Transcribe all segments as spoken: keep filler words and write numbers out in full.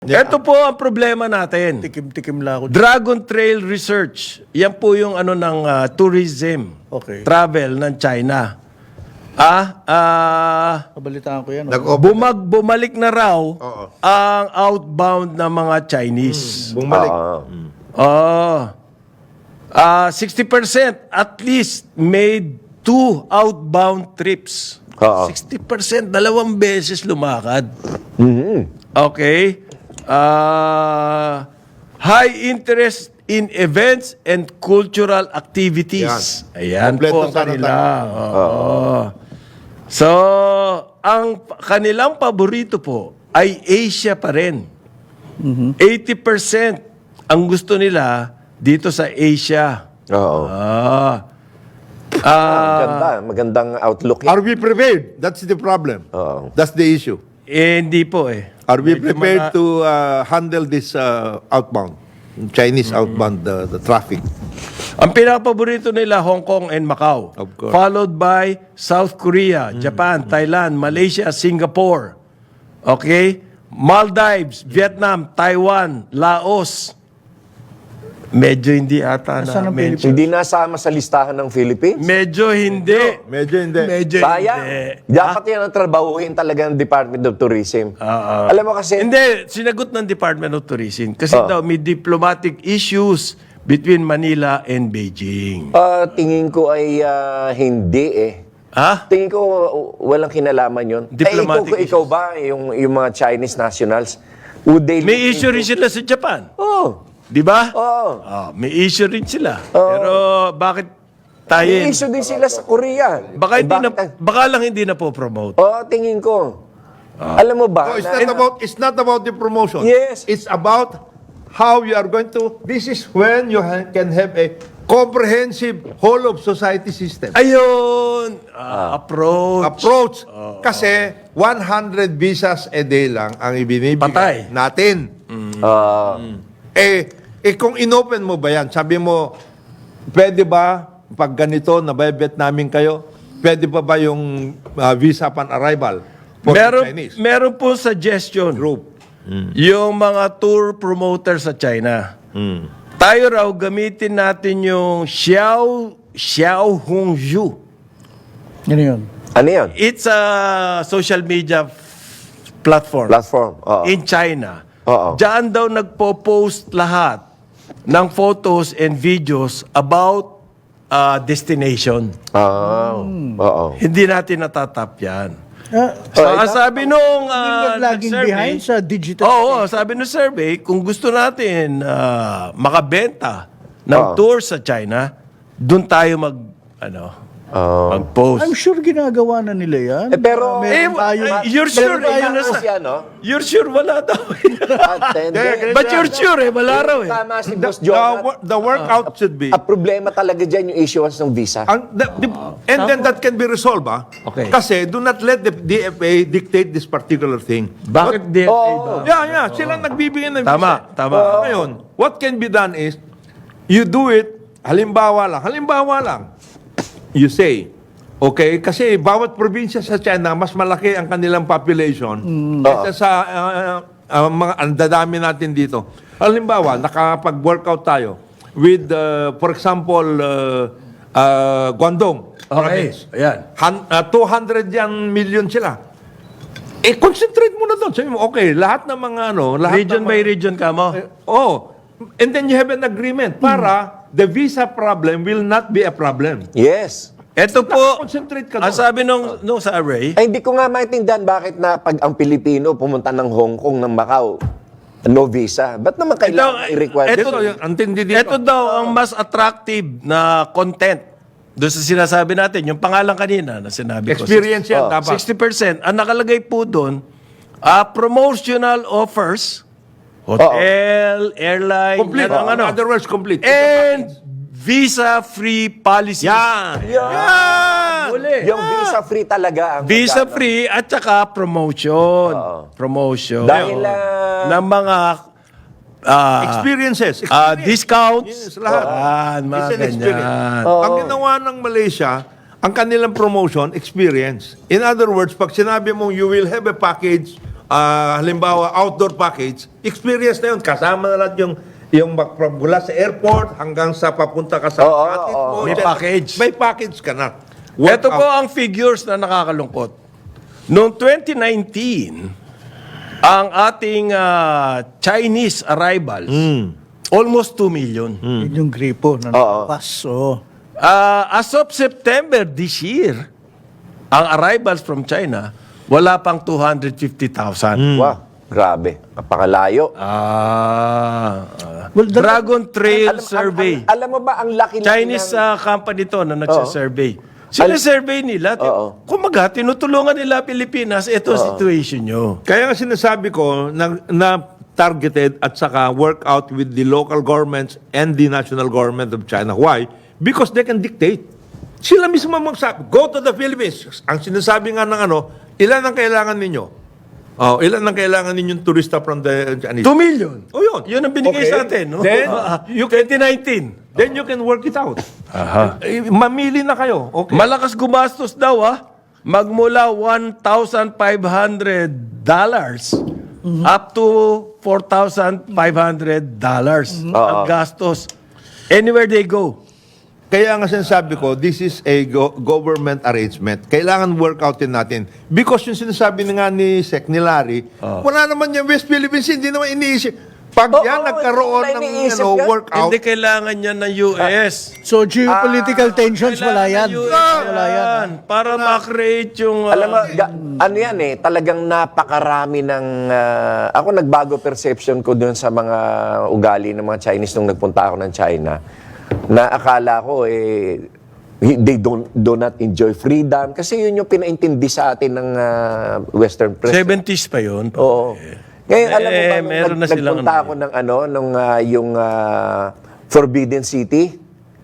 Yeah. Ito po ang problema natin. Tikim-tikim lang ako. Dragon Trail Research. Yan po yung ano ng ah, tourism, Okay. travel ng China. Ah, ah, Kabalitaan ko yan. oh. Nag-open. bumag bumalik na raw Oo. ang outbound ng mga Chinese. Bumalik. Oh. Ah, sixty percent at least made two outbound trips. Oo. sixty percent, dalawang beses lumakad. Mhm. Okay. Ah, high interest in events and cultural activities. Ayan Kompleto po ang sana kanila. Oo. So, ang pa- kanilang paborito po ay Asia pa rin. eighty percent ang gusto nila dito sa Asia. Oo. Ah. Ah, Maganda, magandang outlook. Are we prepared? That's the problem. Oo. That's the issue. eh, hindi po eh. Are we Medyo prepared mana- to uh, handle this uh, outbound, Chinese outbound, uh, the traffic? Ang pinakapaborito nila, Hong Kong and Macau. Of course. Followed by South Korea, Japan, Thailand, Malaysia, Singapore. Okay? Maldives, Vietnam, Taiwan, Laos. Medyo hindi ata Nasaan na. ang Medyo, Hindi nasama sa listahan ng Philippines. medyo hindi. Medyo hindi. Medyo Sayang. hindi. Dapat yan ang trabahuhin talaga ng Department of Tourism. Oo. Alam mo kasi, Hindi, sinagot ng Department of Tourism. Kasi Oh. daw may diplomatic issues between Manila and Beijing. ah, tingin ko ay ah, hindi eh. Ha? Tingin ko uh, walang kinalaman yun. Diplomatic eh, ikaw, ikaw ba, yung, yung mga Chinese nationals, would they May look issue rin into- sila sa Japan. Oh, Di ba? oh. Ah, may issue rin sila. Pero bakit tayo... May issue din sila sa Korea. Baka, Eh, hindi na, bakit ang- baka lang hindi na po promote. Oh, tingin ko. Alam mo ba? No, it's na- not about it's not about the promotion. Yes. It's about how you are going to. This is when you ha- can have a comprehensive whole of society system Ayun! Ah, approach. approach. Kasi one hundred visas a day lang ang ibinibigay Patay. natin. Ah, Eh, eh kung inopen mo ba yan, sabi mo, pwede ba pag ganito, nabibet namin kayo, pwede pa ba yung uh, visa upon arrival for the Meron, Chinese meron po suggestion. group? Yung mga tour promoter sa China. Tayo raw gamitin natin yung Xiao Xiao Hongzhu. Yan yun. ano yun? It's a social media f- platform. Platform. Oo. in China. Oo. Diyan daw nagpo-post lahat ng photos and videos about uh, destination. Ah, oo. Hindi natin natatap yan. Ah, So, ang sabi nung uh, Hindi laging nag-survey, behind sa digital. Oo, sabi nung survey, kung gusto natin uh, makabenta ng Oo. tour sa China, doon tayo mag, ano, Oo. mag-post. I'm sure ginagawa na nila yan. Eh, pero- Ah, meron Eh, tayo. eh, you're sure, meron eh, tayo- yun na sa- Siya, no? You're sure wala daw. At, hindi. But you're sure eh, wala raw eh. Tama si The, Boss the, Jonat. wo- the workout should be. Ang problema talaga dyan yung issuance ng visa. Ang, the, the- and then that can be resolved, ah. Okay. Kasi do not let the D F A dictate this particular thing. Bakit D F A ba? Oo. Yeah, yeah. Sila nagbibigay ng Tama, visa. tama. Oh, ngayon, what can be done is, you do it, halimbawa lang, halimbawa lang, you say, okay, kasi bawat probinsya sa China, mas malaki ang kanilang population kaysa sa uh, uh, mga ang dadami natin dito. Halimbawa, nakapag-workout tayo with, uh, for example, uh, uh, Guangdong Okay, province. ayan. Han, uh, two hundred yan million sila. Eh, concentrate mo na doon. Sabi mo, okay, lahat ng mga ano, lahat Region ng by mga, region ka mo? Oh, and then you have an agreement para the visa problem will not be a problem. Yes. Ito po, Concentrate ka ang doon. sabi nung, nung sa array, Ay, hindi ko nga maintindihan bakit na pag ang Pilipino pumunta ng Hong Kong, ng Macau, no visa. Ba't naman kailangan Ito, i-require? ito- Dito, yung antindi dito. ito daw ang mas attractive na content doon sa sinasabi natin, yung pangalan kanina na sinabi ko. Experience yan, Oh, dapat. sixty percent. Ang nakalagay po doon, ah, promotional offers, hotel, airline, Complete. yan ang ano, In other words, complete. and visa-free policies. Yan. Yan! Uli. Yung visa-free talaga. Ang Visa magkano. free at saka promotion. Promotion. Dahil, ah, ng mga ah, Experiences. ah, Experience. discounts. Yes, lahat. Yan, mga It's an experience. ganyan. Ang ginawa ng Malaysia, ang kanilang promotion, experience. In other words, pag sinabi mong you will have a package ah, halimbawa, outdoor package, experience na yun. Kasama na lahat yung, yung mag- from mula sa airport hanggang sa papunta ka sa Oo, hatid oo. mo, May dyan. package. May package ka na. Ito po Workout. ang figures na nakakalungkot. Noong twenty nineteen, ang ating ah, Chinese arrivals, almost two million. Yun yung gripo na Oo. nakapas. Oo. Ah, as of September this year, ang arrivals from China, wala pang two hundred fifty thousand. Wow, grabe. Napakalayo. Ah, ah. Well, the- Dragon Trail Alam- Survey. Alam, alam mo ba ang laki na Chinese ng- ah, company to na nagsa-survey. Sina-survey nila. Oo. Kumaga, tinutulungan nila Pilipinas. Ito ang situation nyo. Kaya nga sinasabi ko na, na targeted at saka work out with the local governments and the national government of China. Why? Because they can dictate. Sila mismo magsabi, go to the Philippines. Ang sinasabi nga ng ano, ilan ang kailangan ninyo? Oh, ilan ang kailangan ninyong turista from the Chinese? two million. Oh, yun. Yun ang binigay Okay. sa atin. No? Then, Ah, you twenty nineteen. Then you can work it out. Aha. Eh, mamili na kayo. Okay. Malakas gumastos daw ah. Magmula one thousand five hundred dollars up to four thousand five hundred dollars ang gastos. Anywhere they go. Kaya nga sinasabi ko, this is a go- government arrangement. Kailangan work outin natin. Because yung sinasabi na nga ni Sec ni Larry, wala naman yung West Philippines, hindi naman iniisip. Pag Oo, yan oo, nagkaroon hindi ng iniisip ano, yan. workout, Hindi kailangan yan ng U S. So, geopolitical tensions, wala yan. Kailangan ng U S Wala yan. yan. Para ma-create yung... ah, Alam mo, ga- ano yan eh, talagang napakarami ng... ah, ako nagbago perception ko dun sa mga ugali ng mga Chinese nung nagpunta ako ng China. Na akala ko eh, they don't, do not enjoy freedom. Kasi yun yung pinaintindi sa atin ng ah, Western press. seventies pa yun. Oo. Ngayon, alam mo ba, Eh, nung meron nag- na silang nagpunta ano ako ng ano, nung ah, yung ah, Forbidden City,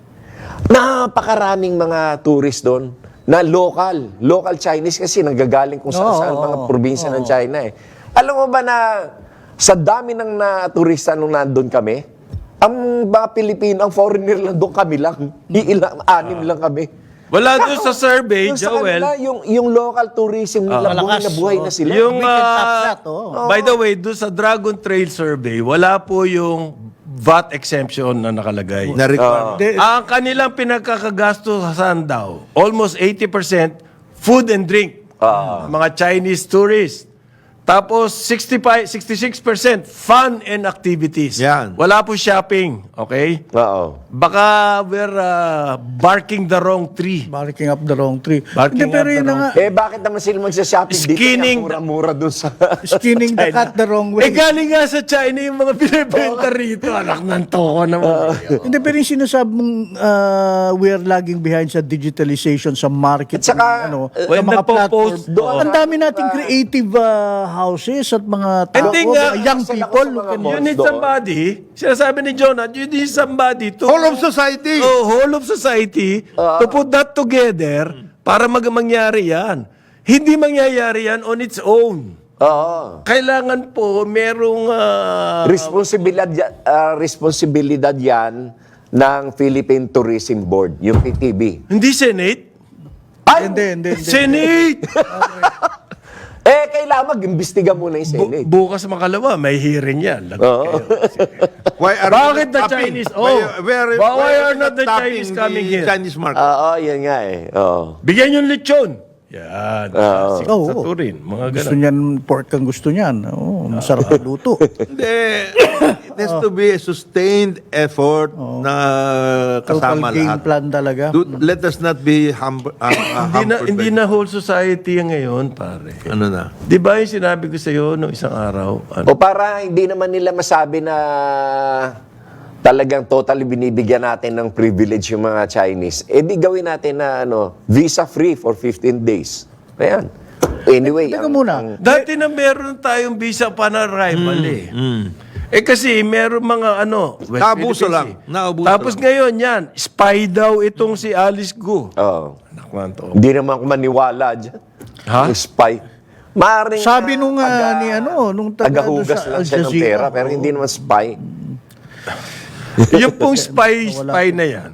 napakaraming mga tourist doon na local, local Chinese kasi nanggagaling kung saan Oo, saan mga oo, probinsya ng China eh. Alam mo ba na sa dami ng na turista nung nandun kami, ang mga Pilipino, ang foreigner lang doon kami lang. Iilang, anim lang kami. Wala doon sa survey, Yung sa Joel. kanila, yung, yung local tourism nila, buhay malakas, na buhay oo. na sila. Yung, We can ah, tap that, oh. by the way, doon sa Dragon Trail Survey, wala po yung V A T exemption na nakalagay. na requirement. De- Ang kanilang pinagkakagastusan daw, almost eighty percent food and drink. Mga Chinese tourists. Tapos sixty-five, sixty-six percent fun and activities. Yan. Wala po shopping. Okay? Oo. Baka we're uh, barking the wrong tree. Barking up the wrong tree. Barking Hindi, pero up the yun na wrong nga, Eh, bakit naman sila magsha-shopping dito? Skinning Kaya mura-mura dun sa... skinning the cat the wrong way. Eh galing nga sa China yung mga binibenta rito. Anak ng toko naman. Hindi, pero yung sinasabi mong uh, we are lagging behind sa digitalization, sa market, At saka, ano, uh, sa when mga nagpo-post platform. doon, Ang dami nating creative uh, houses at mga tao, Hindi nga, mga young sila people. sa mga who can- malls You need doon. somebody, sinasabi ni Jonah, you need somebody to... Whole of society. Oh, whole of society to put that together para mag mangyari yan. Hindi mangyayari yan on its own. Oo. Kailangan po merong... ah, Responsibilidad, ya- ah, responsibilidad yan ng Philippine Tourism Board, yung P T B. hindi Senate. Ay! Hindi, hindi, hindi. Senate! Eh, kailangan mag-imbestiga muna yung Bu- Senate. bukas makalawa, may hearing yan. Lagot kayo. Why are Bakit you the tapping? Chinese? Why- Oh, where- why why are you not the tapping Chinese coming the here? Chinese market. Oo, yan nga eh. Oo. Bigyan yung lechon. Yan. Classic Oo. sa Turin. Mga Gusto ganun. niyan, pork ang gusto niyan. Oo, masarap ang luto. Hindi. It has to be a sustained effort na Total kasama game lahat. plan talaga. Do- let us not be hum- uh, uh, Hindi na, hampered hindi by- na whole society yan ngayon, pare. Ano na? Di ba yung sinabi ko sa iyo nung isang araw? Ano? O para hindi naman nila masabi na talagang totally binibigyan natin ng privilege yung mga Chinese, eh di gawin natin na ano, visa-free for fifteen days. Ayan. Anyway. Teka ang- muna. ang- Dati na meron tayong visa pa na arrival eh. Eh kasi meron mga ano, West Naabuso Philippines lang. eh. Naabuso Tapos lang. ngayon yan, spy daw itong si Alice Gu. Oo. Anak man to. Hindi naman ako maniwala dyan. Ha? Yung spy. Maring, Sabi nung, ah, taga- ni ano, nung taga tagahugas doon sa lang Al siya ng Jazeera. pera, pero hindi naman spy. Yung pong spy, spy na yan.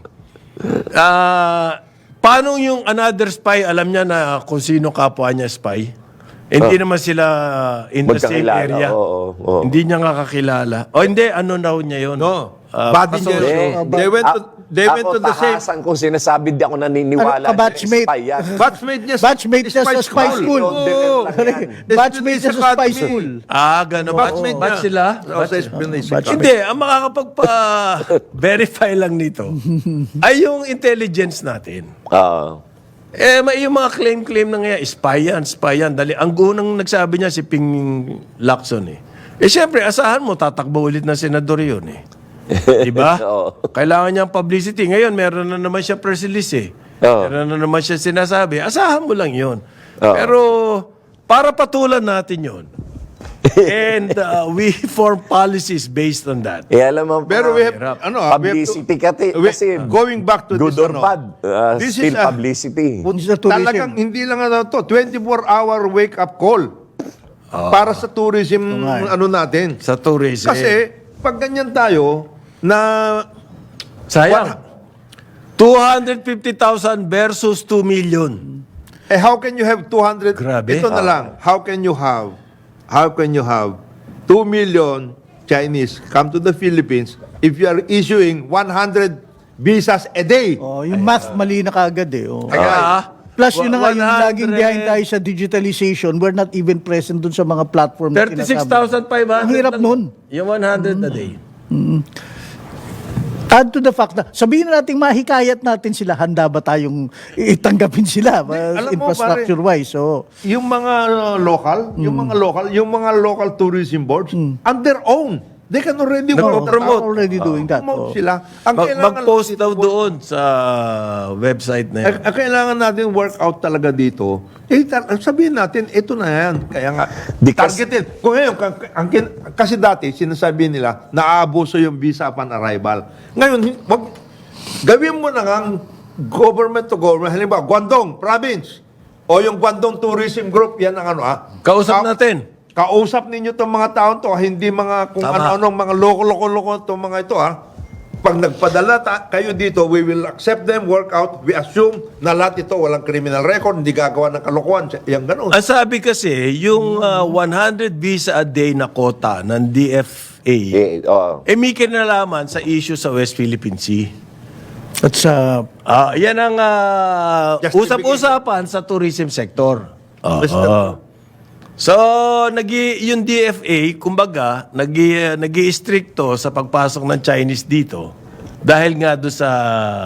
Ah, paano yung another spy, alam niya na kung sino kapwa niya spy? Hindi naman sila in the same Magkakilala, area. oo, oo. Hindi niya nga kakilala. O hindi, ano raw niya yun? No. Ah, Body pasok- niya. Eh, They went to, they went ako, to the same... tahasan kung sinasabi, di ako naniniwala. Ano, kabatchmate? Spy yan. Batchmate niya Batchmate niya sa spy school. Oo. Batchmate niya sa spy school. Ah, gano'n. Batch, Batchmate batch niya. sila? Oo, sa espionage. Hindi, ang makakapagpa-verify lang nito ay yung intelligence natin. Ah. Eh, may yung mga claim-claim na nga, spy yan, spy yan. Dali, ang unang nagsabi niya si Ping Lacson eh. Eh, syempre, asahan mo, tatakbo ulit ng senador yun eh. Diba? Oo. Kailangan niya ang publicity. Ngayon, meron na naman siya press release eh. Oo. Meron na naman siya sinasabi. Asahan mo lang yun. Oo. Pero, para patulan natin yun. And uh, we form policies based on that. Eh, alam mo, Pero we have, Hirap. ano, ah, we have to- publicity kasi, we- kasi going back to good this, or ano, bad, uh, this still is a- publicity. This is a tourism. Talagang hindi lang ano to, twenty-four hour wake-up call para sa tourism nga eh. ano natin. Sa tourism. Kasi, pag ganyan tayo, na sayang. two hundred fifty thousand versus two million. eh how can you have two hundred? Grabe. Ito na lang, how can you have, how can you have two million Chinese come to the Philippines if you are issuing one hundred visas a day? Oh, yung math mali na kagad eh. Oh. Kaya, Plus yun na nga, yung one hundred laging behind tayo sa digitalization, we're not even present dun sa mga platform na thirty-six sinasabi. thousand five hundred. Ang hirap lang. nun. Yung one hundred a day. Add to the fact na, sabihin na natin mahikayat natin sila, handa ba tayong itanggapin sila uh, alam mo, infrastructure-wise? So, Yung mga uh, local, yung mga local, yung mga local tourism boards, on their own, they can already work that Nagpo-promote. out. already doing that. Promote Oh. sila. Ang Mag- kailangan mag-post natin daw work- doon sa website na Ang, yan. ang kailangan natin work out talaga dito, eh, tar- sabihin natin, ito na yan. Kaya nga, Di kas- targeted. Kung ngayon, ka- ang, kin- kasi dati, sinasabi nila, naaabuso yung visa upon arrival. Ngayon, hin- wag, gawin mo na nga government to government. Halimbawa, Guangdong Province, o yung Guangdong Tourism Group, yan ang ano ah. Kausap Ka- natin. Kausap ninyo itong mga taon to, hindi mga kung Tama. ano-anong mga loko-loko-loko itong mga ito ha. Pag nagpadala ta- kayo dito, we will accept them, work out, we assume na lahat ito walang criminal record, hindi gagawa ng kalokohan. Yan ganun. Ang sabi kasi, yung uh, one hundred visa a day na quota ng D F A, Eh, oh. eh may kinalaman sa issue sa West Philippine Sea. at sa Ah, yan ang uh, Justification. usap-usapan sa tourism sector. Basta- Oo. So, nagi yung D F A, kumbaga, nagi nagi-stricto sa pagpasok ng Chinese dito dahil nga do sa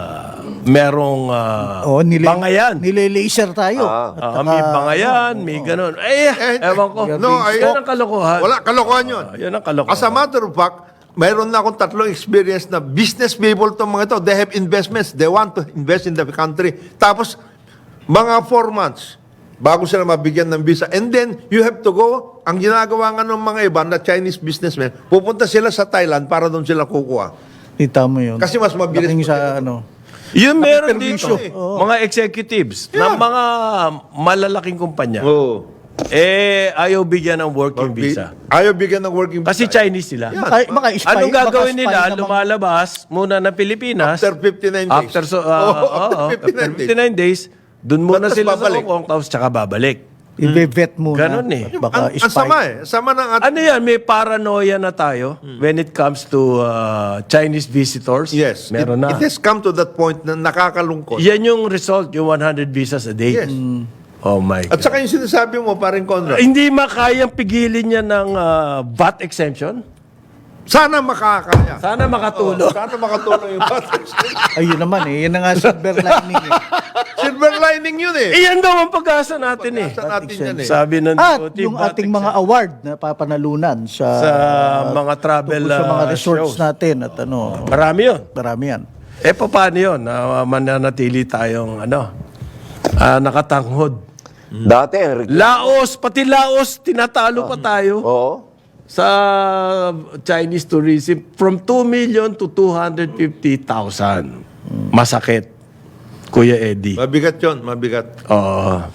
merong uh, oh, nile, bangayan. nile-laser tayo. Ah. At Ah, may bangayan, may ganun. Eh, ewan ko. no, ay- yan ang kalokohan. Wala, kalokohan yun. Ah, yan ang kalokohan. As a matter of fact, mayroon na akong tatlong experience na business people itong mga ito. They have investments. They want to invest in the country. Tapos, mga four months bago sila mabigyan ng visa. And then, you have to go. Ang ginagawa nga ng mga iba na Chinese businessmen, pupunta sila sa Thailand para doon sila kukuha. Kita mo yun. Kasi mas mabilis Laking pa sa sila. ano. Yun meron permission dito. eh. Mga executives ng mga malalaking kumpanya. Oo. Eh, ayaw bigyan ng working visa. Ayaw bigyan ng working Kasi visa. Chinese sila. Maka, maka-spy, Anong gagawin maka-spy nila? naman. Lumalabas muna ng Pilipinas. After fifty-nine days. After, so, uh, Oo, oo, after after fifty-nine days. fifty-nine days, dun muna Tapos sila babalik. sa Hong Kong, tapos tsaka babalik. I-vet muna. Ganun eh. Baka Ang, ang spy. sama eh. Sama ng at- Ano yan? May paranoia na tayo when it comes to uh, Chinese visitors? Yes. Meron it, na. It has come to that point na nakakalungkot. Yan yung result, yung one hundred visas a day. Yes. Oh my At God. saka yung sinasabi mo, paring Conrad, Hindi makayang pigilin niya ng uh, V A T exemption? sana makakaya. Sana makatulong. Sana makatulong yung battery. Ayun naman eh. Yan na nga silver lining eh. Silver lining yun eh. Iyan daw ang pag-asa natin eh. Sa natin yan eh. Sabi ng At D O T, yung V A T ating mga award na papanalunan sa, sa mga travel tungkol sa mga uh, resorts shows. natin at ano, Marami yun. marami yan. Eh, paano yun? Na mananatili tayong ano, ah, nakatanghod. Dati, ang reg- Laos, pati Laos, tinatalo pa tayo oo. sa Chinese tourism from two million to two hundred fifty thousand. Masakit, Kuya Eddie. Mabigat yun, mabigat. Oo.